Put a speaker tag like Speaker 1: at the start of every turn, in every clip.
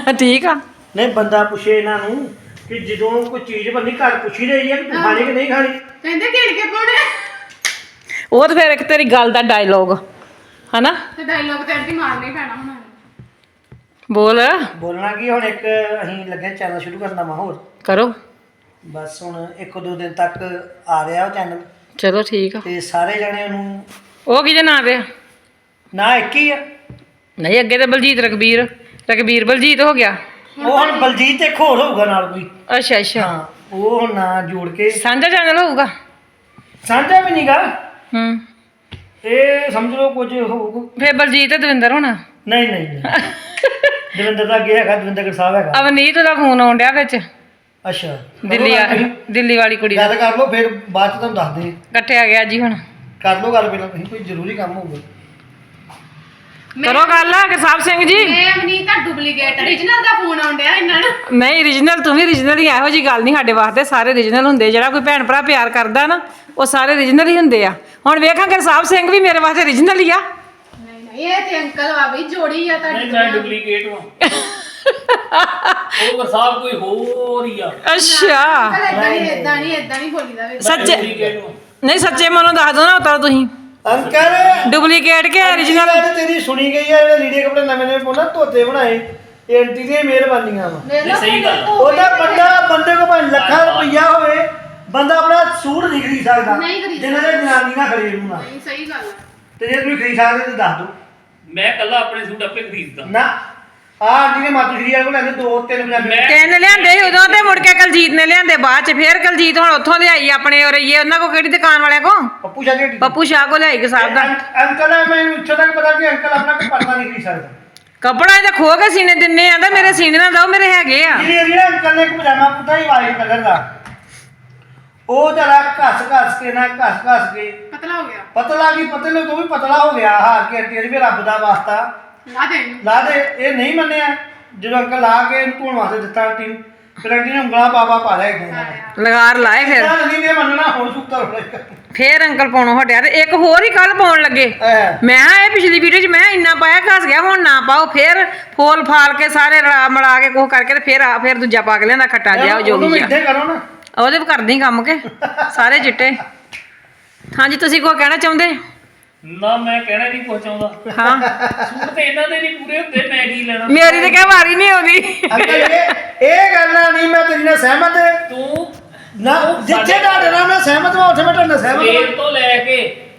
Speaker 1: ਠੀਕ ਆ।
Speaker 2: ਨਹੀਂ ਬੰਦਾ ਪੁੱਛੇ ਇਹਨਾਂ ਨੂੰ ਕਿ ਜਦੋਂ ਕੋਈ ਚੀਜ਼ ਬੰਨੀ ਘਰ ਪੁੱਛੀ ਰਹੀ ਹੈ ਕਿ ਤੂੰ ਖਾਣੀ ਕਿ ਨਹੀਂ ਖਾਣੀ।
Speaker 3: ਕਹਿੰਦੇ ਘੇੜ ਕੇ ਪਾਉਣੇ
Speaker 1: ਉਹ ਤਾਂ ਫਿਰ ਇੱਕ ਤੇਰੀ ਗੱਲ ਦਾ ਡਾਇਲੋਗ ਹਨਾ।
Speaker 3: ਤੇ ਡਾਇਲੌਗ ਤੇ ਅੱਡੀ ਮਾਰਨਾ ਹੀ ਪੈਣਾ ਹੁਣ।
Speaker 1: ਬੋਲ।
Speaker 2: ਬੋਲਣਾ ਕੀ ਹੁਣ ਇੱਕ ਅਸੀਂ ਲੱਗੇ ਚੈਨਲ ਸ਼ੁਰੂ ਕਰਨਾ ਵਾ ਹੋਰ
Speaker 1: ਕਰੋ।
Speaker 2: ਬਸ ਹੁਣ 1-2 ਦਿਨ ਤੱਕ ਆ ਰਿਹਾ ਉਹ ਚੈਨਲ
Speaker 1: ਚਲੋ ਠੀਕ ਆ।
Speaker 2: ਤੇ ਸਾਰੇ ਜਣੇ ਉਹਨੂੰ
Speaker 1: ਉਹ ਕਿਹਦੇ ਨਾਂ ਤੇ ਆ?
Speaker 2: ਨਾ ਇੱਕ ਹੀ ਆ।
Speaker 1: ਨਹੀਂ ਅੱਗੇ ਤੇ ਬਲਜੀਤ ਰਕਬੀਰ ਬਲਜੀਤ ਹੋ ਗਿਆ।
Speaker 2: ਉਹ ਹੁਣ ਬਲਜੀਤ ਇੱਕ ਹੋਰ ਹੋਊਗਾ ਨਾਲ ਕੋਈ।
Speaker 1: ਅੱਛਾ ਅੱਛਾ।
Speaker 2: ਹਾਂ ਉਹ ਹੁਣ ਨਾਂ ਜੋੜ ਕੇ
Speaker 1: ਸਾਂਝਾ ਚੈਨਲ ਹੋਊਗਾ।
Speaker 2: ਸਾਂਝਾ ਵੀ ਨਹੀਂਗਾ
Speaker 1: ਹੂੰ।
Speaker 2: ਇਹ ਸਮਝ ਲਓ ਕੁਝ ਹੋਊਗਾ।
Speaker 1: ਫੇਰ ਬਲਜੀਤ ਤੇ ਦਵਿੰਦਰ ਹੋਣਾ।
Speaker 2: ਨਹੀਂ ਨਹੀਂ ਦਵਿੰਦਰ ਦਾ ਅੱਗੇ ਹੈਗਾ, ਦਵਿੰਦਰ ਸਾਹਿਬ ਹੈਗਾ।
Speaker 1: ਅਵਨੀਤ ਦਾ ਫੋਨ ਆਉਣ ਡਿਆ ਵਿੱਚ।
Speaker 2: ਅੱਛਾ
Speaker 1: ਦਿੱਲੀ ਵਾਲੀ ਕੁੜੀ ਦਾ।
Speaker 2: ਗੱਲ ਕਰ ਲਓ ਫਿਰ ਬਾਅਦ ਚ ਤੁਹਾਨੂੰ ਦੱਸ ਦੇ।
Speaker 1: ਕੱਟਿਆ ਗਿਆ ਜੀ ਹੁਣ।
Speaker 2: ਕਰ ਲਓ ਗੱਲ ਪਹਿਲਾਂ ਤੁਸੀਂ, ਕੋਈ ਜ਼ਰੂਰੀ ਕੰਮ ਹੋਊਗਾ।
Speaker 1: ਕਰੋ ਗੱਲ ਗੁਰਸਾਹਿਬ ਸਿੰਘ ਜੀ।
Speaker 3: ਮੈਂ ਅਮਨੀਤ ਦਾ ਡੁਪਲੀਕੇਟ origignal ਦਾ ਫੋਨ ਆਉਂਦਿਆ ਇਹਨਾਂ ਨੂੰ।
Speaker 1: ਨਹੀਂ origignal ਤੂੰ ਵੀ origignal ਹੀ। ਇਹੋ ਜੀ ਗੱਲ ਨਹੀਂ ਸਾਡੇ ਵਾਸਤੇ, ਸਾਰੇ origignal ਹੁੰਦੇ। ਜਿਹੜਾ ਕੋਈ ਭੈਣ ਭਰਾ ਪਿਆਰ ਕਰਦਾ ਨਾ ਉਹ ਸਾਰੇ origignal ਹੀ ਹੁੰਦੇ ਆ। ਹੁਣ ਵੇਖਾਂ ਗੁਰਸਾਹਿਬ ਸਿੰਘ ਵੀ ਮੇਰੇ ਵਾਸਤੇ origignal ਹੀ ਆ।
Speaker 3: ਨਹੀਂ ਇਹ ਤੇ ਅੰਕਲ ਵਾ ਬਈ ਜੋੜੀ ਆ ਤੁਹਾਡੀ।
Speaker 4: ਨਹੀਂ ਮੈਂ ਡੁਪਲੀਕੇਟ ਹਾਂ। ਉਹ ਗੁਰਸਾਹਿਬ ਕੋਈ ਹੋਰ ਹੀ ਆ।
Speaker 1: ਅੱਛਾ
Speaker 3: ਇਦਾਂ ਨਹੀਂ ਬੋਲੀਦਾ ਵੇ।
Speaker 1: ਸੱਚੇ
Speaker 4: ਡੁਪਲੀਕੇਟ ਹਾਂ।
Speaker 1: ਨਹੀਂ ਸੱਚੇ ਮਨੋਂ ਦੱਸ ਦੋ ਨਾ ਉਤਾਰ ਤੁਸੀਂ
Speaker 2: ਅੰਕਲ
Speaker 1: ਡੁਪਲੀਕੇਟ ਕਿ origignal।
Speaker 2: ਤੇਰੀ ਸੁਣੀ ਗਈ ਆ। ਜਿਹੜੇ ਲੀੜੇ ਕੱਪੜੇ ਨਵੇਂ ਪਾਉਣਾ ਧੋਤੇ ਬਣਾਏ ਇਹ ਆਂਟੀ ਦੀਆਂ ਮਿਹਰਬਾਨੀਆਂ ਵਾ।
Speaker 4: ਨਹੀਂ ਸਹੀ ਗੱਲ ਆ।
Speaker 2: ਉਹਦਾ ਬੰਦੇ ਕੋਲ ਭਾਵੇਂ ਲੱਖਾਂ ਰੁਪਈਆ ਹੋਵੇ, ਬੰਦਾ ਆਪਣਾ ਸੂਟ ਨਹੀਂ ਖਰੀਦ ਸਕਦਾ
Speaker 3: ਨਹੀਂ ਖਰੀਦ
Speaker 2: ਜਿੰਨਾ ਦੇ ਜਨਾਨੀ ਨਾ ਖਰੀਦ ਨੂੰ ਨਾ।
Speaker 3: ਨਹੀਂ ਸਹੀ ਗੱਲ ਆ।
Speaker 2: ਤੇ ਜੇ ਤੁਸੀਂ ਖਰੀਦ ਸਕਦੇ ਤਾਂ ਦੱਸ ਦਿਓ।
Speaker 4: ਮੈਂ ਕੱਲਾ ਆਪਣੇ ਸੂਟ ਆਪੇ ਖਰੀਦਦਾ।
Speaker 2: ਨਾ ਆਹ ਆਂਟੀ ਨੇ ਮਾਤੂ ਸ਼੍ਰੀ ਕੋਲ ਲੈਂਦੇ 2-3 ਪੰਜਾਬੀ।
Speaker 1: ਤਿੰਨ ਲਿਆਂਦੇ ਸੀ ਉਦੋਂ ਤੇ ਮੁੜ ਕੇ ਕਲਜੀਤ ਨੇ ਲਿਆਂਦੇ ਬਾਅਦ ਚ। ਫੇਰ ਕਲਜੀਤ ਹੁਣ ਉੱਥੋਂ ਲਿਆਈ ਆਪਣੇ ਔਰ ਇਹ ਉਹਨਾਂ ਕੋ ਕਿਹੜੀ ਦੁਕਾਨ ਵਾਲਿਆਂ ਕੋ
Speaker 2: ਪੱਪੂ ਸ਼ਾਹ ਦੀ
Speaker 1: ਪੱਪੂ ਸ਼ਾਹ ਕੋ ਲਿਆਈ ਗੁਰਸਾਹਿਬ ਦਾ
Speaker 2: ਅੰਕਲ ਆ। ਮੈਨੂੰ ਇੱਥੋਂ ਤੱਕ ਪਤਾ ਕਿ ਅੰਕਲ ਆਪਣਾ ਕੋਈ ਪਰਦਾ ਨਹੀਂ ਖਰੀਦ ਸਕਦਾ।
Speaker 1: ਕੱਪੜਾ ਇਹਦਾ ਖੋ ਕੇ ਸੀਨੇ ਦਿੰਨੇ ਆਂਦਾ ਮੇਰੇ ਸੀਨੇ ਨਾ ਦੋ ਮੇਰੇ ਹੈਗੇ ਆ।
Speaker 2: ਜਿਹੜੀ ਅੰਕਲ ਨੇ ਇੱਕ ਪਜਾਮਾ ਪੁੱਤਾ ਹੀ ਵਾਈਟ ਕਲਰ ਦਾ, ਉਹ ਜਰਾ ਘਸ ਕੇ ਨਾ ਘਸ ਕੇ
Speaker 3: ਪਤਲਾ ਹੋ ਗਿਆ।
Speaker 2: ਪਤਲਾ ਕੀ ਪਤਲੇ ਤੋਂ ਵੀ ਪਤਲਾ ਹੋ ਗਿਆ। ਹਾਰ ਕੇ ਆਂਟੀ ਵੀ ਰੱਬ ਦਾ ਵਾਸਤਾ
Speaker 3: ਲਾ ਦੇ ਇਹਨੂੰ।
Speaker 2: ਲਾ ਦੇ। ਇਹ ਨਹੀਂ ਮੰਨਿਆ। ਜਦੋਂ ਅੰਕਲ ਲਾ ਕੇ ਇਹਨੂੰ ਧੋਣ ਵਾਸਤੇ ਦਿੱਤਾ ਆਂਟੀ ਨੂੰ, ਫਿਰ ਆਂਟੀ ਨੇ ਉਂਗਲਾਂ ਪਾ ਲਿਆ ਇੱਕ
Speaker 1: ਲਗਾਰ ਲਾਏ ਫਿਰ
Speaker 2: ਨਹੀਂ ਦੇ ਮੰਨਣਾ ਹੁਣ ਸੁੱਤਰ ਹੋਣਾ।
Speaker 1: ਫੇਰ ਅੰਕਲ ਪਾਉਣੋਂ ਹਟਿਆ ਤੇ ਇੱਕ ਹੋਰ ਹੀ ਕੱਲ ਪਾਉਣ ਲੱਗੇ। ਮੈਂ ਕਿਹਾ ਇਹ ਪਿਛਲੀ ਵੀਡੀਓ 'ਚ ਮੈਂ ਇੰਨਾ ਪਾਇਆ ਘਸ ਗਿਆ, ਹੁਣ ਨਾ ਪਾਓ। ਫੇਰ ਫੋਲ ਫਾਲ ਕੇ ਸਾਰੇ ਰਲਾ ਮਲਾ ਕੇ ਕੁਛ ਕਰਕੇ ਤੇ ਫੇਰ ਦੂਜਾ ਪਾ ਕੇ ਲਿਆਂਦਾ ਖੱਟਾ ਜਿਹਾ ਉਹ ਜੋਗੀ ਜਿਹਾ।
Speaker 2: ਇੱਥੇ ਕਰੋ ਨਾ।
Speaker 1: ਉਹਦੇ ਵੀ ਕਰਦੀ ਕੰਮ ਕੇ ਸਾਰੇ ਚਿੱਟੇ। ਹਾਂਜੀ ਤੁਸੀਂ ਕੋਈ ਕਹਿਣਾ ਚਾਹੁੰਦੇ?
Speaker 4: ਨਾ ਮੈਂ ਕਹਿਣਾ ਨਹੀਂ ਕੁਛ ਚਾਹੁੰਦਾ।
Speaker 1: ਹਾਂ
Speaker 4: ਸੂਟ ਤੇ ਇਹਨਾਂ ਦੇ ਨਹੀਂ ਪੂਰੇ ਹੁੰਦੇ, ਮੈਂ ਕੀ ਲੈਣਾ।
Speaker 1: ਮੇਰੀ ਤੇ ਕਹਿ ਵਾਰੀ ਨਹੀਂ ਆਉਂਦੀ।
Speaker 2: ਅੰਕਲ ਇਹ ਗੱਲਾਂ ਨਹੀਂ ਮੈਂ ਤੇਰੀ ਨਾਲ ਸਹਿਮਤ
Speaker 4: ਤੂੰ
Speaker 2: ਨਾ। ਜਿੱਥੇ ਤੁਹਾਡੇ ਨਾਲ ਮੈਂ ਸਹਿਮਤ ਹਾਂ ਉੱਥੇ ਮੈਂ ਤੁਹਾਡੇ ਨਾਲ ਸਹਿਮਤ
Speaker 4: ਸਵੇਰ
Speaker 2: ਹਾਂ।
Speaker 4: ਤੋਂ ਲੈ ਕੇ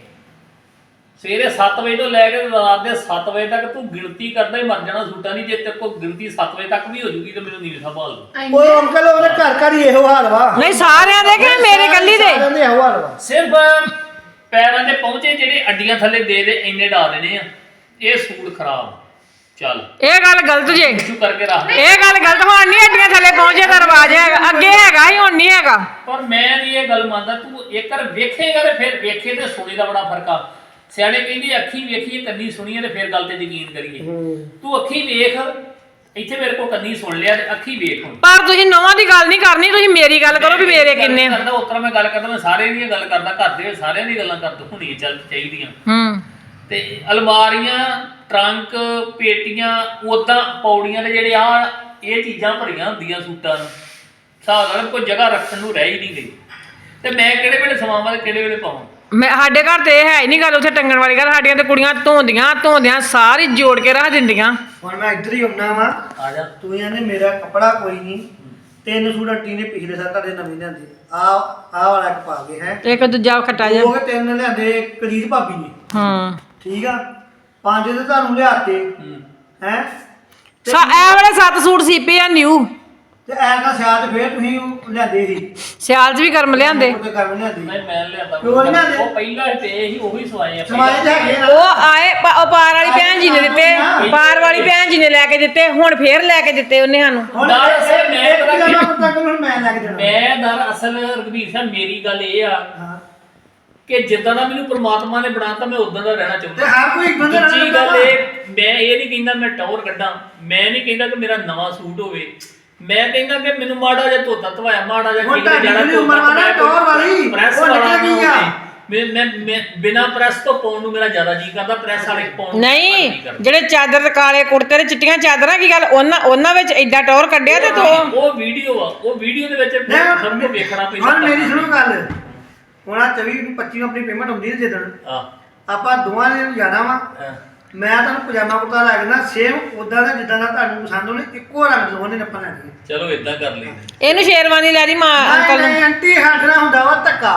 Speaker 4: ਸਵੇਰੇ 7 ਵਜੇ ਤੋਂ ਲੈ ਕੇ ਰਾਤ ਦੇ 7 ਵਜੇ ਤੱਕ ਤੂੰ ਗਿਣਤੀ ਕਰਦਾ ਹੀ ਮਰ ਜਾਣਾ ਸੂਟਾਂ ਦੀ। ਜੇ ਤੇਰੇ ਕੋਲ ਗਿਣਤੀ 7 ਵਜੇ ਤੱਕ ਵੀ ਹੋ ਜੂਗੀ ਤੇ ਮੈਨੂੰ ਨੀਂਦ ਸੰਭਾਲ ਲਓ।
Speaker 2: ਉਹ ਅੰਕਲ ਉਹਦੇ ਘਰ ਹੀ ਇਹੋ ਹਾਲ ਵਾ।
Speaker 1: ਨਹੀਂ ਸਾਰਿਆਂ ਦੇ ਕਿ ਮੇਰੇ ਕੱਲੀ ਦੇ?
Speaker 2: ਸਾਰਿਆਂ ਦੇ ਇਹੋ ਹਾਲ ਵਾ।
Speaker 4: ਸਿਰਫ ਪੈਰਾਂ ਦੇ ਪਹੁੰਚੇ ਜਿਹੜੇ ਅੱਡੀਆਂ ਥੱਲੇ ਦੇ ਇੰਨੇ ਡਾ ਦੇਣੇ ਆ। ਇਹ ਸੂਟ ਖਰਾਬ ਚੱਲ।
Speaker 1: ਇਹ ਗੱਲ ਗਲਤ ਜੇ।
Speaker 4: ਇਸ਼ੂ ਕਰਕੇ ਰੱਖ ਦੇ।
Speaker 1: ਇਹ ਗੱਲ ਗਲਤ। ਹੁਣ ਨਹੀਂ ਅੱਡੀਆਂ ਥੱਲੇ ਪਹੁੰਚੇ ਦਾ ਰਿਵਾਜ ਹੈਗਾ। ਅੱਗੇ ਹੈਗਾ ਹੀ, ਹੁਣ ਨਹੀਂ ਹੈਗਾ।
Speaker 4: ਪਰ ਮੈਂ ਨਹੀਂ ਇਹ ਗੱਲ ਮੰਨਦਾ। ਤੂੰ ਇੱਕ ਵਾਰ ਵੇਖੇਗਾ ਤੇ ਫਿਰ ਵੇਖੇ ਤੇ ਸੁਣੇ ਦਾ ਬੜਾ ਫਰਕ ਆ। ਸਿਆਣੇ ਕਹਿੰਦੇ ਅੱਖੀ ਵੇਖੀਏ ਕੰਨੀ ਸੁਣੀਏ ਤੇ ਫਿਰ ਗੱਲ ਤੇ ਯਕੀਨ ਕਰੀਏ। ਤੂੰ ਅੱਖੀ ਵੇਖ, ਇੱਥੇ ਮੇਰੇ ਕੋਲ ਕੰਨੀ ਸੁਣ ਲਿਆ ਤੇ ਅੱਖੀ ਵੇਖ। ਹੁਣ
Speaker 1: ਪਰ ਤੁਸੀਂ ਨੌਵਾਂ ਦੀ ਗੱਲ ਨਹੀਂ ਕਰਨੀ, ਤੁਸੀਂ ਮੇਰੀ ਗੱਲ ਕਰੋ ਵੀ ਮੇਰੇ ਕਿੰਨੇ।
Speaker 4: ਕਰਦਾ ਉਤਰਾ ਮੈਂ ਗੱਲ ਕਰਦਾ, ਮੈਂ ਸਾਰੇ ਦੀ ਗੱਲ ਕਰਦਾ। ਘਰ ਦੇ ਸਾਰਿਆਂ ਦੀ ਗੱਲਾਂ ਕਰਦਾ ਹੋਣੀਆਂ ਚੱਲ ਚਾਹੀਦੀਆਂ। ਤੇ ਅਲਮਾਰੀਆਂ, ਟਰੰਕ, ਪੇਟੀਆਂ, ਉਦਾਂ ਪੌੜੀਆਂ ਦੇ ਜਿਹੜੇ ਆ ਇਹ ਚੀਜ਼ਾਂ ਭਰੀਆਂ ਹੁੰਦੀਆਂ ਸੂਟਾਂ ਨੂੰ। ਹਿਸਾਬ ਨਾਲ ਕੋਈ ਜਗ੍ਹਾ ਰੱਖਣ ਨੂੰ ਰਹਿ ਹੀ ਨਹੀਂ ਗਈ। ਤੇ ਮੈਂ ਕਿਹੜੇ ਵੇਲੇ ਸਵਾਵਾਂ ਤੇ ਕਿਹੜੇ ਵੇਲੇ ਪਾਵਾਂ।
Speaker 1: ਮੈਂ ਸਾਡੇ ਘਰ ਤੇ ਇਹ ਹੈ ਹੀ ਨਹੀਂ ਗੱਲ ਉੱਥੇ ਟੰਗਣ ਵਾਲੀ ਗੱਲ। ਸਾਡੀਆਂ ਤੇ ਕੁੜੀਆਂ ਧੋਂਦੀਆਂ ਸਾਰੀ ਜੋੜ ਕੇ ਰੱਖ ਦਿੰਦੀਆਂ।
Speaker 2: ਹੁਣ ਮੈਂ ਇੱਧਰ ਹੀ ਆਉਣਾ ਵਾ।
Speaker 4: ਆ ਜਾ
Speaker 2: ਤੂੰ ਇਹਨੇ ਮੇਰਾ ਕੱਪੜਾ ਕੋਈ ਨਹੀਂ। 3 ਸੂਟ ਆਂਟੀ ਨੇ ਪਿਛਲੇ ਸਾਲ ਤੁਹਾਡੇ ਨਵੇਂ ਲਿਆਂਦੇ। ਆਹ ਵਾਲਾ ਇੱਕ ਪਾ ਗਏ ਹੈ।
Speaker 1: ਇੱਕ ਦੂਜਾ ਖੱਟਾ ਜਿਹਾ।
Speaker 2: ਉਹ 3 ਲਿਆਂਦੇ ਕਰੀਬ ਭਾਬੀ ਨੇ।
Speaker 1: ਹਾਂ
Speaker 2: ਠੀਕ ਆ। 5 ਤੇ ਤੁਹਾਨੂੰ ਲਿਆਤੇ ਹੈ।
Speaker 1: ਇਹ ਵਾਲੇ 7 ਸੂਟ ਸੀਪੇ ਆ ਨਿਊ।
Speaker 2: ਤੇ ਐਸਾ ਸਿਆਲ ਫੇਰ ਤੁਸੀਂ ਉਹ ਲਿਆਂਦੇ ਸੀ।
Speaker 1: ਸਿਆਲ 'ਚ ਵੀ ਗਰਮ ਲਿਆਂਦੇ।
Speaker 2: ਉੱਤੇ ਗਰਮ ਲਿਆਂਦੇ।
Speaker 4: ਨਹੀਂ ਮੈਂ ਲਿਆਂਦਾ।
Speaker 2: ਕਿਉਂ ਨੀ ਲਿਆਂਦੇ?
Speaker 4: ਉਹ ਪਹਿਲਾਂ ਤੇ ਹੀ ਉਹੀ ਸਵਾਏ ਆ।
Speaker 2: ਸਮਾਏ ਤੇ ਹੈਗੇ ਨਾ।
Speaker 1: ਉਹ ਆਏ ਉਹ ਪਾਰ ਵਾਲੀ ਭੈਣ ਜੀ ਨੇ ਦਿੱਤੇ। ਪਾਰ ਵਾਲੀ ਭੈਣ ਜੀ ਨੇ ਲੈ ਕੇ ਦਿੱਤੇ। ਹੁਣ ਫੇਰ ਲੈ ਕੇ ਦਿੱਤੇ ਉਹਨੇ ਸਾਨੂੰ।
Speaker 2: ਹੁਣ
Speaker 4: ਦਰਅਸਲ ਮੈਂ
Speaker 2: ਇੱਕ
Speaker 4: ਪਤਾ
Speaker 2: ਪਜਾਮਾ
Speaker 4: ਕੀ-
Speaker 2: ਕੁੜਤਾ ਕੋਲ ਮੈਂ ਲੈ ਕੇ ਦੇਣਾ।
Speaker 4: ਮੈਂ ਦਰਅਸਲ ਰਘਬੀਰ ਸਾਹਿਬ ਮੇਰੀ ਗੱਲ ਇਹ ਆ
Speaker 2: ਹਾਂ।
Speaker 4: ਕਿ ਜਿੱਦਾਂ ਦਾ ਮੈਨੂੰ ਪ੍ਰਮਾਤਮਾ ਨੇ ਬਣਾਤਾ ਮੈਂ ਉਦਾਂ ਦਾ ਰਹਿਣਾ
Speaker 2: ਤੇ
Speaker 4: ਚਾਹੁੰਦਾ।
Speaker 2: ਹਰ ਕੋਈ ਇੱਕ ਬੰਦੇ ਨਾਲ
Speaker 4: ਦੂਜੀ
Speaker 2: ਰਹਿੰਦਾ
Speaker 4: ਗੱਲ
Speaker 2: ਵਾ।
Speaker 4: ਮੈਂ ਇਹ ਨਹੀਂ ਕਹਿੰਦਾ ਮੈਂ ਟੌਰ ਕੱਢਾਂ। ਮੈਂ ਨਹੀਂ ਕਹਿੰਦਾ ਕਿ ਮੇਰਾ ਨਵਾਂ ਸੂਟ ਹੋਵੇ। ਮੈਂ ਕਹਿੰਦਾ ਕਿ ਮੈਨੂੰ ਮਾੜਾ ਜਿਹਾ ਧੋਤਾ ਧਵਾਇਆ, ਮਾੜਾ ਜਿਹਾ
Speaker 2: ਹੁਣ
Speaker 4: ਕਿਤੇ ਜਾਣਾ
Speaker 2: ਤੁਹਾਡੀ ਉਮਰ ਵਾਲਾ ਟੌਰ ਵਾਲੀ
Speaker 4: ਪ੍ਰੈਸ
Speaker 2: ਉਹ
Speaker 4: ਵਾਲਾ
Speaker 2: ਨਿਕਲ ਗਈ ਆ।
Speaker 4: ਮੈਂ ਬਿਨਾ ਪ੍ਰੈਸ ਤੋਂ ਪਾਉਣ ਨੂੰ ਮੇਰਾ ਜ਼ਿਆਦਾ ਜੀ ਕਰਦਾ, ਪ੍ਰੈਸ ਵਾਲੇ ਪਾਉਣ ਨੂੰ
Speaker 1: ਨਹੀਂ
Speaker 4: ਘੱਟ ਜੀ ਕਰਦਾ।
Speaker 1: ਜਿਹੜੇ ਚਾਦਰ ਤੇ ਕਾਲੇ ਕੁੜਤੇ ਤੇ ਚਿੱਟੀਆਂ ਚਾਦਰਾਂ ਕੀ ਗੱਲ ਉਹਨਾਂ ਵਿੱਚ ਐਡਾ ਟੌਰ ਕੱਢਿਆ ਤੇ ਤੂੰ
Speaker 4: ਉਹ ਵੀਡੀਓ ਆ, ਉਹ ਵੀਡੀਓ ਦੇ ਵਿੱਚ ਸਭ ਨੂੰ ਵੇਖਣਾ ਪੈਂਦਾ।
Speaker 2: ਹੁਣ ਮੇਰੀ ਸੁਣੋ ਗੱਲ, ਹੁਣ ਆਹ 24 ਨੂੰ 25 ਨੂੰ ਆਪਣੀ ਪੇਮੈਂਟ ਹੁੰਦੀ ਹੈ ਜਿੱਦਣ ਆਪਾਂ ਦੋਵਾਂ ਨੇ ਜਾਣਾ ਵਾ, ਮੈਂ ਤੁਹਾਨੂੰ ਪਜਾਮਾ ਕੁੜਤਾ ਲੈ ਕੇ ਨਾ ਸੇਮ ਉਦਾਂ ਦਾ ਜਿੱਦਾਂ ਦਾ ਤੁਹਾਨੂੰ ਪਸੰਦ ਹੋਣੇ, ਇੱਕੋ ਰੰਗ ਦੋਵਾਂ ਨੇ ਆਪਾਂ ਲੈਣੇ।
Speaker 4: ਚਲੋ ਇਦਾਂ ਕਰ ਲਈ।
Speaker 1: ਇਹਨੂੰ ਸ਼ੇਰਵਾਨੀ ਲੈ ਦੀ ਮਾਂ ਅੰਕਲ ਨੂੰ।
Speaker 2: ਨਹੀਂ ਆਂਟੀ ਹੱਥਣਾ ਹੁੰਦਾ ਵਾ ਧੱਕਾ।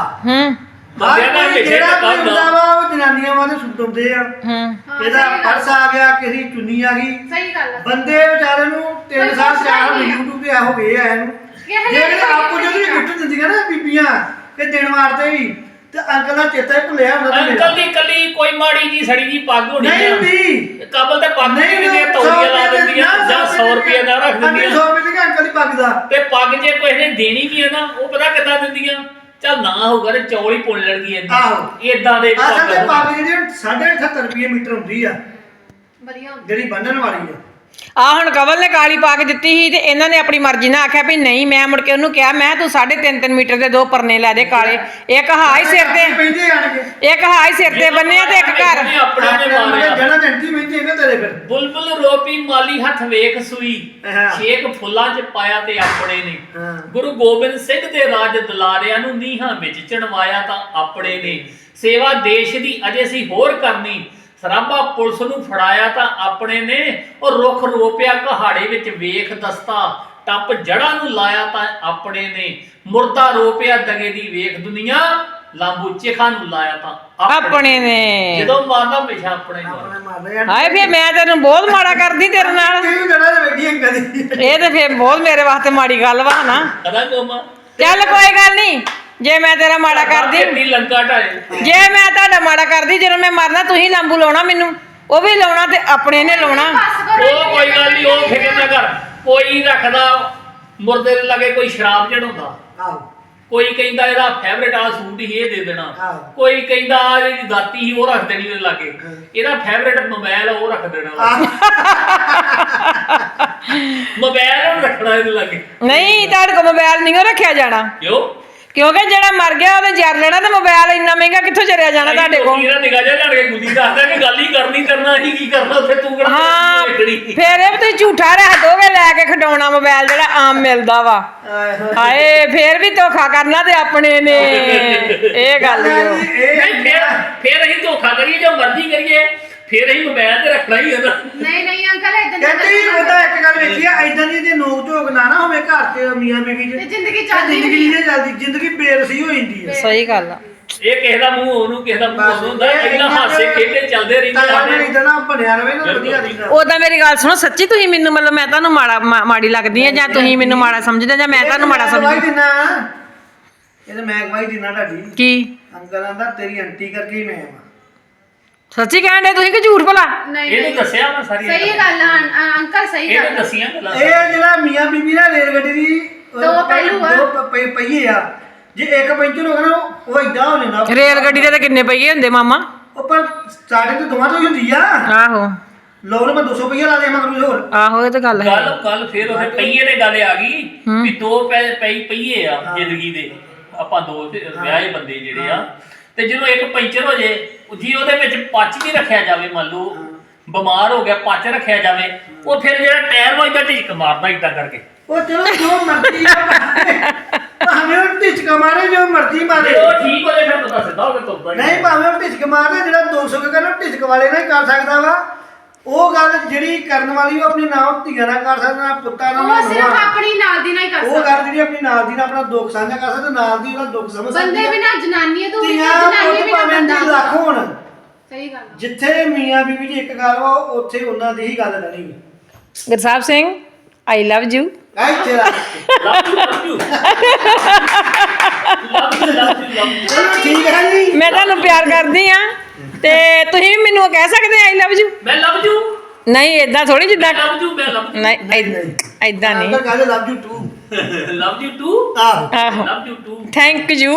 Speaker 4: ਬੰਦਿਆਂ ਨਾਲ ਹਮੇਸ਼ਾ
Speaker 2: ਜਿਹੜਾ
Speaker 4: ਧੱਕਾ
Speaker 2: ਕੋਈ ਹੁੰਦਾ
Speaker 4: ਹੁੰਦਾ
Speaker 2: ਵਾ ਉਹ ਜਨਾਨੀਆਂ ਵਾਲੇ ਸੁੱਟ ਹੁੰਦੇ ਆ। ਇਹਦਾ ਪਰਸ ਆ ਗਿਆ, ਕਿਸੇ ਦੀ ਚੁੰਨੀ ਆ ਗਈ,
Speaker 3: ਸਹੀ ਗੱਲ ਆ।
Speaker 2: ਬੰਦੇ ਵਿਚਾਰੇ ਨੂੰ 3 ਸਾਲ 4 ਸਾਲ YouTube ਤੇ ਹੋ ਗਏ ਆ ਇਹਨੂੰ। ਜਿਹੜੇ ਆਪੋ ਜਿਹੜੀ ਗਿਫਟ ਦਿੰਦੀਆਂ ਨਾ ਬੀਬੀਆਂ ਕਿ ਦਿਨ ਵਾਰਤੇ ਵੀ, ਤੇ ਅੰਕਲ ਦਾ ਚੇਤਾ ਹੀ ਭੁੱਲਿਆ ਹੁੰਦਾ ਤੇ
Speaker 4: ਅੰਕਲ ਦੀ ਕੱਲੀ ਕੋਈ ਮਾੜੀ ਜੀ ਸੜੀ ਜੀ ਪੱਗ ਹੋਣੀ
Speaker 2: ਨਹੀਂ
Speaker 4: ਆ,
Speaker 2: ਹੁੰਦੀ।
Speaker 4: ਕਬਲ ਤੇ ਪੱਗ ਨਹੀਂ ਦਿੰਦੀਆਂ, ਤੌਲੀਆਂ ਲਾ ਦਿੰਦੀਆਂ ਜਾਂ 100 ਰੁਪਏ ਦਾ ਰੱਖ ਦਿੰਦੀਆਂ।
Speaker 2: 100 ਰੁਪਏ ਦੇ ਅੰਕਲ ਦੀ ਪੱਗ ਦਾ।
Speaker 4: ਤੇ ਪੱਗ ਜੇ ਕੋਈ ਨੇ ਦੇਣੀ ਵੀ ਹੈ ਨਾ, ਉਹ ਪਤਾ ਕਿੱਦਾਂ ਦਿੰਦੀਆਂ, ਚੱਲ ਨਾ ਹੋਊਗਾ ਤੇ ਚੌਲ ਹੀ ਪੁੰਨ ਲੈਣਗੀ
Speaker 2: ਆਹੋ।
Speaker 4: ਇਦਾਂ ਦੇ
Speaker 2: ਅਸਲ ਤੇ ਪੱਗ ਜਿਹੜੀ 78.5 ਰੁਪਏ ਮੀਟਰ ਹੁੰਦੀ ਆ,
Speaker 3: ਵਧੀਆ ਹੁੰਦਾ।
Speaker 2: ਜਿਹੜੀ ਬੰਨਣ ਵਾਲੀ ਆ।
Speaker 1: ਆ ਹੁਣ ਕਵਲ ਨੇ ਕਾਲੀ ਪਾ ਕੇ ਦਿੱਤੀ ਸੀ ਤੇ ਇਹਨਾਂ ਨੇ ਆਪਣੀ ਮਰਜ਼ੀ ਨਾਲ ਆਖਿਆ ਵੀ ਨਹੀਂ, ਮੈਂ ਮੁੜ ਕੇ ਉਹਨੂੰ ਕਿਹਾ ਮੈਂ ਤੂੰ 3.5 ਮੀਟਰ ਦੇ 2 ਪਰਨੇ ਲੈ ਦੇ ਕਾਲੇ, ਇੱਕ ਹਾਈ ਸਿਰ ਤੇ
Speaker 2: ਪੈਂਦੇ ਆਣਗੇ,
Speaker 1: ਇੱਕ ਹਾਈ ਸਿਰ ਤੇ ਬੰਨਿਆ ਤੇ ਇੱਕ ਘਰ
Speaker 4: ਆਪਣੇ ਨੇ ਮਾਰਿਆ।
Speaker 2: ਜਣਾ ਜੰਟੀ ਮਹਿੰਦੀ ਹੈਗਾ ਤੇਰੇ ਫਿਰ।
Speaker 4: ਬੁਲਬੁਲ ਰੋਪੀ ਮਾਲੀ ਹੱਥ ਵੇਖ ਸੂਈ,
Speaker 2: ਹਾਂ।
Speaker 4: ਛੇਕ ਫੁੱਲਾਂ 'ਚ ਪਾਇਆ ਤੇ ਆਪਣੇ ਨੇ।
Speaker 2: ਹਾਂ।
Speaker 4: ਗੁਰੂ ਗੋਬਿੰਦ ਸਿੰਘ ਦੇ ਰਾਜ ਦੁਲਾਰਿਆਂ ਨੂੰ ਨੀਹਾਂ ਵਿੱਚ ਚਣਵਾਇਆ ਤਾਂ ਆਪਣੇ ਨੇ। ਸੇਵਾ ਦੇਸ਼ ਦੀ ਅਜੇ ਸੀ ਹੋਰ ਕਰਨੀ, ਸਰਾਭਾ ਪੁਲਿਸ ਨੂੰ ਫੜਾਇਆ ਤਾਂ ਆਪਣੇ ਨੇ। ਉਹ ਰੁੱਖ ਰੋਪਿਆ ਕਹਾੜੇ ਵਿੱਚ ਵੇਖ ਦਸਤਾ, ਟੱਪ ਜੜਾਂ ਨੂੰ ਲਾਇਆ ਤਾਂ ਆਪਣੇ ਨੇ। ਮੁਰਦਾ ਰੋਪਿਆ ਦਗੇ ਦੀ ਵੇਖ ਦੁਨੀਆ, ਲਾਂਬੂ ਚਿਖਾ ਨੂੰ ਲਾਇਆ ਤਾਂ
Speaker 1: ਆਪਣੇ ਨੇ।
Speaker 4: ਜਦੋਂ ਮਾਰਦਾ ਹਮੇਸ਼ਾ ਆਪਣੇ ਨੂੰ।
Speaker 2: ਆਪਣੇ ਮਾਰਦੇ ਆ।
Speaker 1: ਹਾਏ ਫੇਰ ਮੈਂ ਤੈਨੂੰ ਬਹੁਤ ਮਾੜਾ ਕਰਦੀ ਤੇਰੇ ਨਾਲ।
Speaker 2: ਤੈਨੂੰ ਜਣਾ ਤੇ ਬੈਠੀ ਅੰਕਲ ਦੀ।
Speaker 1: ਇਹ ਤੇ ਫੇਰ ਬਹੁਤ ਮੇਰੇ ਵਾਸਤੇ ਮਾੜੀ ਗੱਲ ਵਾ ਨਾ।
Speaker 4: ਕਦਾ ਕੋਮਾ
Speaker 1: ਚੱਲ ਕੋਈ ਗੱਲ ਨਹੀਂ, ਜੇ ਮੈਂ ਤੇਰਾ ਮਾੜਾ ਕਰਦੀ,
Speaker 4: ਕਿੰਨੀ ਲੰਕਾ ਢਾਏ।
Speaker 1: ਜੇ ਮੈਂ ਤੁਹਾਡਾ ਮਾੜਾ ਕਰਦੀ, ਜਦੋਂ ਮੈਂ ਮਰਨਾ ਤੁਸੀਂ ਲੰਬੂ ਲਾਉਣਾ ਮੈਨੂੰ, ਉਹ ਵੀ ਲਾਉਣਾ ਤੇ ਆਪਣੇ ਨੇ ਲਾਉਣਾ।
Speaker 4: ਉਹ ਕੋਈ ਗੱਲ ਨਹੀਂ, ਉਹ ਫਿਕਰ ਨਾ ਕਰ। ਕੋਈ ਰੱਖਦਾ ਮੁਰਦੇ ਦੇ ਲਾਗੇ, ਕੋਈ ਸ਼ਰਾਬ ਚੜਾਉਂਦਾ,
Speaker 2: ਆਹੋ।
Speaker 4: ਕੋਈ ਕਹਿੰਦਾ ਇਹਦਾ ਫੇਵਰੇਟ ਆ ਸੂਟ ਹੀ ਇਹ ਦੇ ਦੇਣਾ,
Speaker 2: ਹਾਂ।
Speaker 4: ਕੋਈ ਕਹਿੰਦਾ ਆਹ ਜਿਹੜੀ ਦਾਤੀ ਸੀ ਉਹ ਰੱਖ ਦੇਣੀ ਉਹਦੇ ਲਾਗੇ, ਇਹਦਾ ਫੇਵਰੇਟ ਮੋਬਾਈਲ ਉਹ ਰੱਖ ਦੇਣਾ, ਮੋਬਾਈਲ ਨੂੰ ਰੱਖਣਾ ਇਹਦੇ ਲਾਗੇ।
Speaker 1: ਨਹੀਂ, ਤੁਹਾਡੇ ਕੋਲ ਮੋਬਾਈਲ ਨਹੀਂ ਰੱਖਿਆ ਜਾਣਾ,
Speaker 4: ਕਿਉਂ?
Speaker 1: ਕਿਉਂਕਿ ਜਿਹੜਾ ਮਰ ਗਿਆ ਉਹਨੇ ਜਰ ਲੈਣਾ ਤੇ ਮੋਬਾਈਲ ਇੰਨਾ ਮਹਿੰਗਾ ਕਿੱਥੋਂ ਜਰਿਆ ਜਾਣਾ ਤੁਹਾਡੇ ਕੋਲ।
Speaker 4: ਇਹਦਾ ਨਿਗਾਹ ਜਿਹਾ ਲੜ ਕੇ ਗੁੱਲੀ ਦੱਸਦਾ ਕਿ ਗੱਲ ਹੀ ਕਰਨਾ ਹੀ ਕੀ ਕਰਨਾ ਉੱਥੇ ਤੂੰ ਕਿਹੜਾ
Speaker 1: ਹਾਂ,
Speaker 4: ਵੇਖਣੀ।
Speaker 1: ਫੇਰ ਇਹ ਵੀ ਤੁਸੀਂ ਝੂਠਾ ਰੱਖ ਦੋਗੇ ਲੈ ਕੇ ਖਡਾਉਣਾ ਮੋਬਾਈਲ ਜਿਹੜਾ ਆਮ ਮਿਲਦਾ ਵਾ। ਹਾਏ ਫੇਰ ਵੀ ਧੋਖਾ ਕਰਨਾ ਤੇ ਆਪਣੇ ਨੇ, ਇਹ ਗੱਲ ਈ ਓ।
Speaker 4: ਨਹੀਂ ਫਿਰ ਅਸੀਂ ਧੋਖਾ ਕਰੀਏ ਜੋ ਮਰਜ਼ੀ ਕਰੀਏ, ਫਿਰ ਅਸੀਂ ਮੋਬਾਈਲ ਤੇ ਰੱਖਣਾ ਹੀ ਹੈ ਨਾ।
Speaker 3: ਨਹੀਂ ਅੰਕਲ ਇਦਾਂ
Speaker 2: ਕਹਿੰਦੀ ਉਹਦਾ ਇੱਕ ਗੱਲ ਵੇਖੀ ਆ, ਇਦਾਂ ਦੀ ਜੇ ਨੋਕ ਝੋਕ ਨਾ ਹੋਵੇ ਘਰ 'ਚ ਮੀਆਂ ਬੀਵੀ 'ਚ,
Speaker 3: ਤੇ ਜ਼ਿੰਦਗੀ ਚੱਲਦੀ
Speaker 2: ਜ਼ਿੰਦਗੀ ਨਹੀਂ ਚੱਲਦੀ, ਜ਼ਿੰਦਗੀ ਬੇਰਸੀ ਹੋ ਜਾਂਦੀ ਹੈ।
Speaker 1: ਸਹੀ ਗੱਲ ਆ।
Speaker 4: ਇਹ ਕਿਸੇ ਦਾ ਮੂੰਹ ਉਹਨੂੰ, ਕਿਸੇ ਦਾ ਮੂੰਹ ਉਹਨੂੰ ਹੁੰਦਾ, ਇਹਨਾਂ ਹਾਸੇ ਖੇਡੇ ਚੱਲਦੇ ਰਹਿੰਦੇ
Speaker 2: ਤਾਂ
Speaker 4: ਸਾਡੇ।
Speaker 2: ਇਦਾਂ ਨਾ ਬਣਿਆ ਰਵੇ ਨਾ, ਵਧੀਆ ਰਹਿੰਦਾ।
Speaker 1: ਉਦਾਂ ਮੇਰੀ ਗੱਲ ਸੁਣੋ, ਸੱਚੀ ਤੁਸੀਂ ਮੈਨੂੰ ਮਤਲਬ ਮੈਂ ਤੁਹਾਨੂੰ ਮਾੜੀ ਲੱਗਦੀ ਆ, ਜਾਂ ਤੁਸੀਂ ਮੈਨੂੰ ਮਾੜਾ ਸਮਝਦੇ ਜਾਂ ਮੈਂ ਤੁਹਾਨੂੰ ਮਾੜਾ ਸਮਝਦੀ?
Speaker 2: ਇਹ ਤਾਂ ਮੈਂ ਗਵਾਹੀ ਦਿਨਾ ਤੁਹਾਡੀ।
Speaker 1: ਕੀ
Speaker 2: ਅੰਕਲ ਆਂਦਾ ਤੇਰੀ ਆਂਟੀ ਕਰਕੇ ਹੀ ਮੈਂ ਆਵਾਂ।
Speaker 1: ਸੱਚੀ ਕਹਿਣ ਦੇ ਤੁਸੀਂ ਕਿ ਝੂਠ ਭਲਾ?
Speaker 4: ਇਹਨੂੰ ਦੱਸਿਆ ਮੈਂ ਸਾਰੀ
Speaker 3: ਸਹੀ ਗੱਲ ਆ ਅੰਕਲ, ਸਹੀ ਗੱਲ
Speaker 4: ਇਹਨੂੰ ਦੱਸੀਆਂ ਗੱਲਾਂ।
Speaker 2: ਇਹ ਜਿਹੜਾ ਮੀਆਂ ਬੀਬੀ ਦਾ ਰੇਲ ਗੱਡੀ ਦੀ
Speaker 3: ਦੋ ਪਹਿਲੂ ਆ।
Speaker 2: ਦੋ ਪਹੀਏ ਆ, ਜੇ ਇੱਕ ਪੈਂਚਰ ਹੋ ਗਿਆ ਨਾ ਉਹ ਇਦਾਂ ਹੋ ਜਾਂਦਾ।
Speaker 1: ਰੇਲ ਗੱਡੀ ਦੇ ਤਾਂ ਕਿੰਨੇ ਪਹੀਏ ਹੁੰਦੇ ਮਾਮਾ?
Speaker 2: ਉਹ ਪਰ ਸਟਾਰਟਿੰਗ ਤੇ ਦੋਵਾਂ ਤੋਂ ਹੀ ਹੁੰਦੀ ਆ।
Speaker 1: ਆਹੋ
Speaker 2: ਲੋਕ ਨੇ ਮੈਂ 200 ਰੁਪਏ ਲਾ ਦੇ ਮਗਰ ਹੋਰ।
Speaker 1: ਆਹੋ, ਇਹ ਤਾਂ ਗੱਲ ਹੈ।
Speaker 4: ਗੱਲ ਫਿਰ ਉਹਦੇ ਪਹੀਏ ਦੇ ਗੱਲ ਆ ਗਈ ਵੀ 2 ਪਹੀਏ ਆ ਜ਼ਿੰਦਗੀ ਦੇ, ਆਪਾਂ 2 ਵਿਆਹੇ ਬੰਦੇ ਜਿਹੜੇ ਆ, ਤੇ ਜਦੋਂ ਇੱਕ ਪੈਂਚਰ ਹੋ ਜੇ, ਜੀ ਉਹਦੇ ਵਿੱਚ ਪੱਚ ਵੀ ਰੱਖਿਆ ਜਾਵੇ, ਮੰਨ ਲਓ ਬਿਮਾਰ ਹੋ ਗਿਆ, ਪੱਚ ਰੱਖਿਆ ਜਾਵੇ, ਉਹ ਫਿਰ ਜਿਹੜਾ ਟਾਇਰ ਵੱਜਦਾ ਢਿੱਕ ਮਾਰਦਾ ਇਦਾਂ ਕਰਕੇ।
Speaker 2: ਉਹ ਚਲੋ ਜੋ ਮਰਜ਼ੀ ਆ ਭਾਵੇਂ ਉਹ ਢਿਚਕਾ ਮਾਰੇ, ਜੋ ਮਰਜ਼ੀ ਮਾਰੇ,
Speaker 4: ਉਹ ਠੀਕ ਹੋ ਜਾਏ ਫਿਰ ਪਤਾ ਸਿੱਧਾ ਹੋ ਕੇ ਤੁਰਦਾ ਹੀ
Speaker 2: ਨਹੀਂ ਭਾਵੇਂ ਉਹ ਢਿਚਕ ਮਾਰੇ, ਜਿਹੜਾ 200 ਕਰਨਾ ਢਿਚਕ ਵਾਲੇ ਨਾਲ ਹੀ ਕਰ ਸਕਦਾ ਵਾ। ਉਹ ਗੱਲ ਜਿਹੜੀ ਕਰਨ ਵਾਲੀ ਉਹ ਆਪਣੀ ਨਾਮ ਧੀਆਂ ਨਾਲ ਕਰ ਸਕਦਾ, ਨਾ ਪੁੱਤਾਂ ਨਾਲ,
Speaker 3: ਉਹ ਸਿਰਫ ਆਪਣੀ ਨਾਲ ਦੀ ਨਾਲ ਹੀ ਕਰ
Speaker 2: ਉਹ ਗੱਲ ਜਿਹੜੀ ਆਪਣੀ ਨਾਲ ਦੀ ਨਾਲ ਆਪਣਾ ਦੁੱਖ ਸਾਂਝਾ ਕਰ ਸਕਦਾ, ਨਾਲ ਦੀ ਉਹਦਾ ਦੁੱਖ ਸਮਝ ਸਕਦਾ।
Speaker 3: ਬੰਦੇ ਬਿਨਾ ਜਨਾਨੀ ਅਧੂਰੀ,
Speaker 2: ਧੀਆਂ
Speaker 3: ਜਨਾਨੀ
Speaker 2: ਪੁੱਤ
Speaker 3: ਬਿਨਾ
Speaker 2: ਭਾਵੇਂ
Speaker 3: ਬੰਦਾ।
Speaker 2: ਲੱਖ ਹੋਣ,
Speaker 3: ਸਹੀ ਗੱਲ ਆ।
Speaker 2: ਜਿੱਥੇ ਮੀਆਂ ਬੀਬੀ ਦੀ ਇੱਕ ਗੱਲ ਵਾ ਉੱਥੇ ਉਹਨਾਂ ਦੀ ਹੀ ਗੱਲ ਰਹਿਣੀ।
Speaker 1: Gursahib Singh, I love you.
Speaker 2: ਐ ਤੇਰਾ
Speaker 4: love you।
Speaker 2: ਚਲੋ ਠੀਕ ਹੈ ਜੀ।
Speaker 1: ਮੈਂ ਤੁਹਾਨੂੰ ਪਿਆਰ ਕਰਦੀ ਆ ਤੇ ਤੁਸੀਂ ਵੀ ਮੈਨੂੰ ਕਹਿ ਸਕਦੇ ਆਈ ਲਵ ਯੂ।
Speaker 4: ਮੈਂ ਲਵ ਯੂ,
Speaker 1: ਨਹੀਂ ਏਦਾਂ ਥੋੜੀ ਜਿੱਦਾਂ,
Speaker 4: ਮੈਂ ਲਵ ਯੂ, ਮੈਂ ਲਵ ਯੂ,
Speaker 1: ਨਹੀਂ ਏਦਾਂ ਨਹੀਂ।
Speaker 2: ਅੰਕਲ ਕਹਿੰਦੇ love you too.
Speaker 4: Love you too,
Speaker 1: ਆਹੋ,
Speaker 4: love you too.
Speaker 1: Thank you.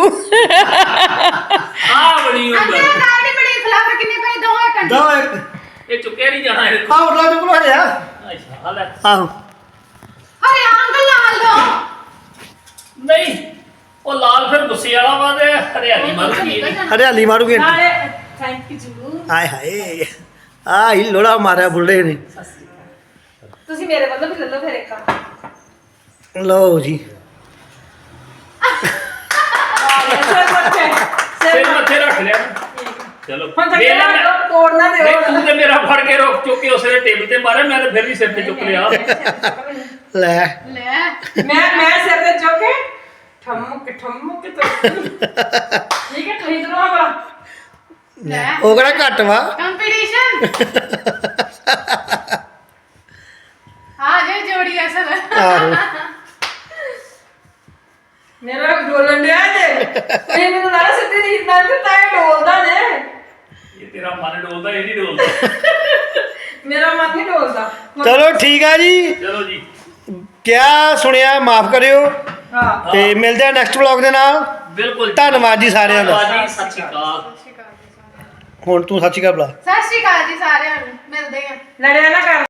Speaker 4: ਆ ਬੜੀ
Speaker 3: ਅੰਕਲ
Speaker 4: ਹੁੰਦਾ
Speaker 3: ਕਾਰਡ ਬੜੀ ਫਲਾਵਰ ਕਿੰਨੇ ਪਏ ਦੋਵੇਂ ਕੰਡੇ?
Speaker 2: ਦੋ ਇੱਕ
Speaker 4: ਇਹ ਚੁੱਕਿਆ ਨਹੀਂ ਜਾਣਾ ਇਹ।
Speaker 2: ਆਹ ਉਰਲਾ ਜੋ ਕੋਲ ਹਰਿਆ।
Speaker 4: ਅੱਛਾ ਲੈ,
Speaker 2: ਆਹੋ
Speaker 3: ਅਰੇ ਅੰਕਲ ਨਾਲ ਦੋ।
Speaker 4: ਨਹੀਂ ਉਹ ਲਾਲ ਫਿਰ ਗੁੱਸੇ ਵਾਲਾ ਵਾ ਤੇ ਹਰਿਆਲੀ ਮਾਰੂਗੀ
Speaker 2: ਹਰਿਆਲੀ ਮਾਰੂਗੇ
Speaker 3: ਨਾਲੇ ਥੈਂਕ ਯੂ
Speaker 2: ਹਾਏ ਹਾਏ ਆ ਹੀ ਲੋੜਾ ਮਾਰਿਆ ਬੁੱਢੇ ਨੇ
Speaker 3: ਤੁਸੀਂ ਮੇਰੇ ਵੱਲੋਂ ਵੀ ਲੈ ਲਓ ਫਿਰ ਇੱਕ
Speaker 2: ਲਓ ਜੀ
Speaker 4: ਸਿਰ ਮੱਥੇ ਰੱਖ ਲਿਆ ਚਲੋ
Speaker 1: ਹੁਣ ਤਾਂ
Speaker 4: ਮੇਰਾ ਮੈਂ-
Speaker 1: ਤੋੜਨਾ ਦੇ
Speaker 4: ਨਹੀਂ, ਤੂੰ ਤੇ ਮੇਰਾ ਫੜ ਕੇ ਰੋਕ ਚੁੱਕ ਕੇ ਉਸੇ ਟੇਬਲ ਤੇ ਮਾਰਿਆ ਮੈਂ ਤਾਂ ਫਿਰ ਵੀ ਸਿਰ ਤੇ ਚੁੱਕ ਲਿਆ
Speaker 2: ਲੈ
Speaker 3: ਲੈ
Speaker 1: ਮੈਂ ਸਿਰ ਤੇ ਚੁੱਕ ਕੇ ਠਮਕ ਠਮਕ ਠੀਕ ਹੈ ਤੁਸੀਂ ਦੋਨੋਂ ਆਪਣਾ
Speaker 3: ਲੈ
Speaker 2: ਉਹ ਕਿਹੜਾ ਘੱਟ ਵਾ
Speaker 3: ਕੰਪੀਟੀਸ਼ਨ ਆ ਜੇ ਜੋੜੀ ਅਸਲ
Speaker 2: ਆਹੋ
Speaker 1: ਮੇਰਾ ਡੋਲਣ ਡਿਆ ਜੇ ਤੁਸੀਂ ਮੈਨੂੰ ਲੱਗਦਾ ਸਿੱਧੀ ਨੀਂਦ ਨਾਲ ਤੇ ਤਾਂ ਇਹ ਡੋਲਦਾ ਜੇ
Speaker 4: ਇਹ ਤੇਰਾ ਮਨ ਡੋਲਦਾ ਇਹ ਨਹੀਂ ਡੋਲਦਾ
Speaker 1: ਮੇਰਾ ਮਨ ਨਹੀਂ ਡੋਲਦਾ
Speaker 2: ਚਲੋ ਠੀਕ ਆ ਜੀ
Speaker 4: ਚਲੋ ਜੀ
Speaker 2: ਕਿਆ ਸੁਣਿਆ ਮਾਫ ਕਰਿਓ
Speaker 1: ਹਾਂ
Speaker 2: ਤੇ ਮਿਲਦੇ ਆ ਨੈਕਸਟ ਵਲੌਗ ਦੇ ਨਾਲ
Speaker 4: ਬਿਲਕੁਲ ਜੀ।
Speaker 2: ਧੰਨਵਾਦ ਜੀ ਸਾਰਿਆਂ ਦਾ
Speaker 4: ਧੰਨਵਾਦ ਜੀ, ਸਤਿ ਸ਼੍ਰੀ ਅਕਾਲ
Speaker 2: ਹੁਣ ਤੂੰ ਸੱਚੀ ਗੱਲ ਬੁਲਾ
Speaker 3: ਸਤਿ ਸ਼੍ਰੀ ਅਕਾਲ ਜੀ ਸਾਰਿਆਂ ਨੂੰ ਮਿਲਦੇ ਆ
Speaker 1: ਲੜਿਆ ਨਾ ਕਰ